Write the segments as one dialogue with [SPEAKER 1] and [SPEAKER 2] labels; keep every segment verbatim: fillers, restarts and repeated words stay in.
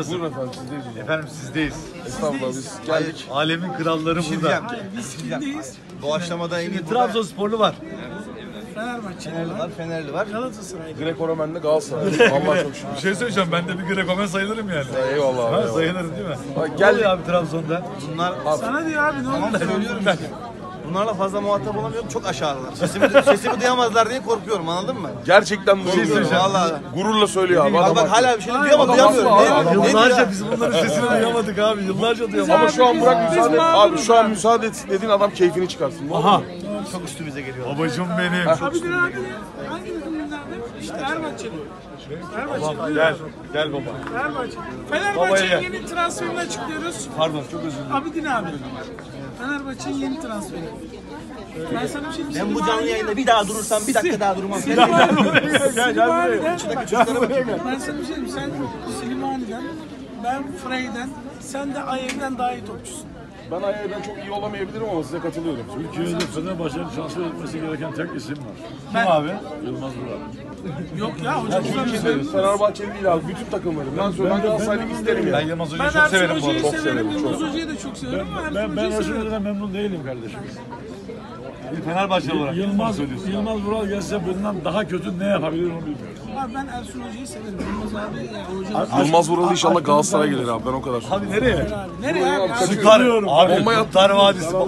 [SPEAKER 1] nasıl?
[SPEAKER 2] Buyurun efendim, sizdeyiz hocam.
[SPEAKER 1] Efendim sizdeyiz.
[SPEAKER 2] Estağfurullah, biz geldik.
[SPEAKER 1] Alemin kralları
[SPEAKER 3] şey
[SPEAKER 1] burada.
[SPEAKER 3] Biz kimdeyiz? Doğaçlamada en iyi burada.
[SPEAKER 1] Trabzonsporlu var.
[SPEAKER 3] Fenerbahçe
[SPEAKER 2] Fenerli var, Fenerli var.
[SPEAKER 3] Galatasaray'da.
[SPEAKER 2] Greco-Romen'de Galatasaray. Allah çok şükür.
[SPEAKER 1] Bir şey söyleyeceğim, ben de bir Greco-Men sayılırım yani.
[SPEAKER 2] Eyvallah abi.
[SPEAKER 1] Ha,
[SPEAKER 2] eyvallah.
[SPEAKER 1] sayılırım değil mi?
[SPEAKER 2] Bak,
[SPEAKER 1] Gel
[SPEAKER 2] gel.
[SPEAKER 1] ya abi Trabzon'da.
[SPEAKER 3] Bunlar
[SPEAKER 4] Sana diyor abi ne
[SPEAKER 3] tamam
[SPEAKER 4] oldu?
[SPEAKER 3] söylüyorum işte. Bunlarla fazla muhatap olamıyorum. Çok aşağıdalar. Sesimi, sesimi duyamazlar diye korkuyorum, anladın mı?
[SPEAKER 2] Gerçekten doğru.
[SPEAKER 3] Vallahi.
[SPEAKER 2] Gururla söylüyor abi.
[SPEAKER 3] Bak
[SPEAKER 2] Adam
[SPEAKER 3] bak
[SPEAKER 2] haklı.
[SPEAKER 3] hala bir şey duyamam, duyamıyorum.
[SPEAKER 2] Adam
[SPEAKER 3] Ne,
[SPEAKER 2] haklı,
[SPEAKER 3] ne, ne
[SPEAKER 1] Yıllarca
[SPEAKER 3] diyor?
[SPEAKER 1] biz bunların sesini duyamadık abi. Yıllarca duyamadık.
[SPEAKER 2] Ama şu an bırak
[SPEAKER 4] Biz
[SPEAKER 2] müsaade et. Abi
[SPEAKER 4] mağduruz
[SPEAKER 2] şu an
[SPEAKER 4] abi.
[SPEAKER 2] müsaade et dediğin adam keyfini çıkarsın.
[SPEAKER 1] Aha.
[SPEAKER 3] Çok üstümüze geliyor.
[SPEAKER 1] Babacım benim.
[SPEAKER 4] Abi bir abi hangi takımlardan? İşte Fenerbahçeli. Fenerbahçeli.
[SPEAKER 1] Gel. Gel baba.
[SPEAKER 4] Fenerbahçe.
[SPEAKER 1] Babaya
[SPEAKER 4] Fenerbahçe'nin
[SPEAKER 1] gel.
[SPEAKER 4] yeni transferini açıklıyoruz.
[SPEAKER 1] Pardon çok özür dilerim.
[SPEAKER 4] Abidin abi. Fenerbahçe'nin yeni transferi. Ben sana bir şey diyeyim.
[SPEAKER 3] Ben bu canlı yayında bir daha durursam bir dakika daha durmam.
[SPEAKER 4] Silimani'den,
[SPEAKER 1] Gel gel buraya.
[SPEAKER 4] ben sana bir şey diyeyim. Sen Silimani'den, ben Frey'den, sen de Ayev'den daha iyi topçusun.
[SPEAKER 2] Ben ayağından çok iyi olamayabilirim ama size katılıyorum.
[SPEAKER 5] Türkiye'de Fenerbahçe'nin transfer etmesi gereken tek isim var.
[SPEAKER 1] Kim abi?
[SPEAKER 5] Yılmaz Vural.
[SPEAKER 4] Yok ya hocamızdan bir şey.
[SPEAKER 2] Türkiye'de Fenerbahçeli değil abi. Bütün takımları. Ben söylüyorum. Ben Galatasaray'ı isterim
[SPEAKER 1] Ben
[SPEAKER 2] yani.
[SPEAKER 1] Yılmaz
[SPEAKER 4] Ben
[SPEAKER 1] Hoca'yı çok
[SPEAKER 4] Ersun
[SPEAKER 1] severim bu
[SPEAKER 4] Hoca'yı
[SPEAKER 1] arada.
[SPEAKER 4] severim,
[SPEAKER 2] severim,
[SPEAKER 4] Yılmaz Hoca'yı da çok severim ama
[SPEAKER 5] Ben,
[SPEAKER 4] Ersun
[SPEAKER 5] ben
[SPEAKER 4] Hoca'yı severim.
[SPEAKER 5] Ersun'dan memnun değilim kardeşim.
[SPEAKER 1] Bir Fenerbahçe olarak.
[SPEAKER 5] Yılmaz,
[SPEAKER 1] söylüyorsun.
[SPEAKER 5] Yılmaz Vural gelse bundan daha kötü ne yapabilir onu bilmiyorum.
[SPEAKER 4] Abi ben Ersun Hoca'yı severim. Yılmaz abi ya hocam.
[SPEAKER 2] Yılmaz Vural inşallah Galatasaray'a gelir abi. Ben o kadar.
[SPEAKER 1] Abi nereye?
[SPEAKER 4] Abi nereye abi? abi?
[SPEAKER 1] Süper. Abi
[SPEAKER 2] Olmaya-
[SPEAKER 1] Kurtlar Vadisi.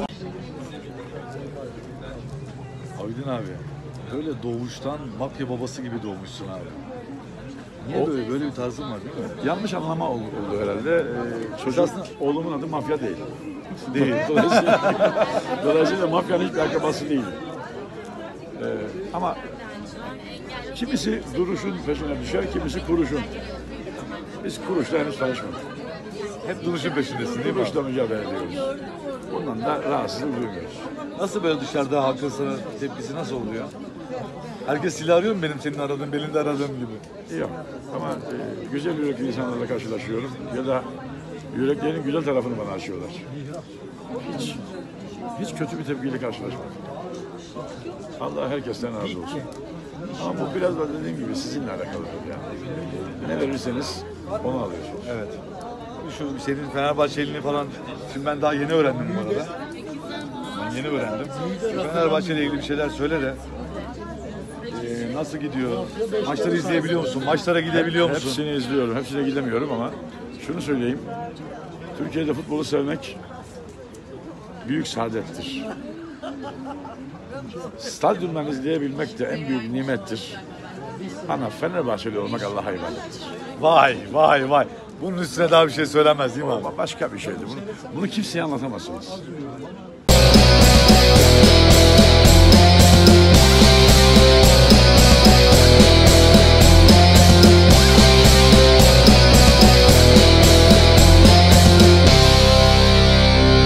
[SPEAKER 1] Aydın abi. Böyle doğuştan mafya babası gibi doğmuşsun abi. Niye böyle böyle bir tarzın var değil mi?
[SPEAKER 5] Yanlış anlama oldu, oldu herhalde. Ee, çocuk, oğlumun adı mafya değil.
[SPEAKER 1] Değil.
[SPEAKER 5] Dolayısıyla, dolayısıyla mafyanın hiçbir akrabası değil. Ee, ama kimisi duruşun peşine düşer, kimisi kuruşun. Biz kuruşla henüz tanışmadık.
[SPEAKER 1] Hep duruşun peşindesin değil mi?
[SPEAKER 5] Kuruşla mücadele ediyoruz. Bundan da rahatsızlık duymuyoruz.
[SPEAKER 1] Nasıl böyle dışarıda halkın sana tepkisi nasıl oluyor? Herkes silah arıyor mu benim senin aradığın, belinde aradığım gibi?
[SPEAKER 5] Yok. Ama e, güzel yürekli insanlarla karşılaşıyorum. Ya da yüreklerin güzel tarafını bana açıyorlar. Hiç, hiç kötü bir tepkiyle karşılaşmadım. Allah herkesten razı olsun. Ama bu biraz da dediğim gibi sizinle alakalıdır yani. Ne verirseniz onu alıyorsunuz.
[SPEAKER 1] Evet. Şu senin Fenerbahçeliğini falan, şimdi ben daha yeni öğrendim bu arada. Ben yeni öğrendim. Fenerbahçe ile ilgili bir şeyler söyle de. Ee, nasıl gidiyor? Maçları izleyebiliyor musun? Maçlara gidebiliyor musun?
[SPEAKER 5] Hepsini izliyorum, hepsine gidemiyorum ama şunu söyleyeyim. Türkiye'de futbolu sevmek büyük saadettir. Stadyumdan izleyebilmek de en büyük nimettir. Ama Fenerbahçeli olmak Allah'a ibadettir.
[SPEAKER 1] Vay vay vay. Bunun üstüne daha bir şey söylemez değil mi abi?
[SPEAKER 5] Ama başka bir şeydi. Bunu, bunu kimseye anlatamazsınız.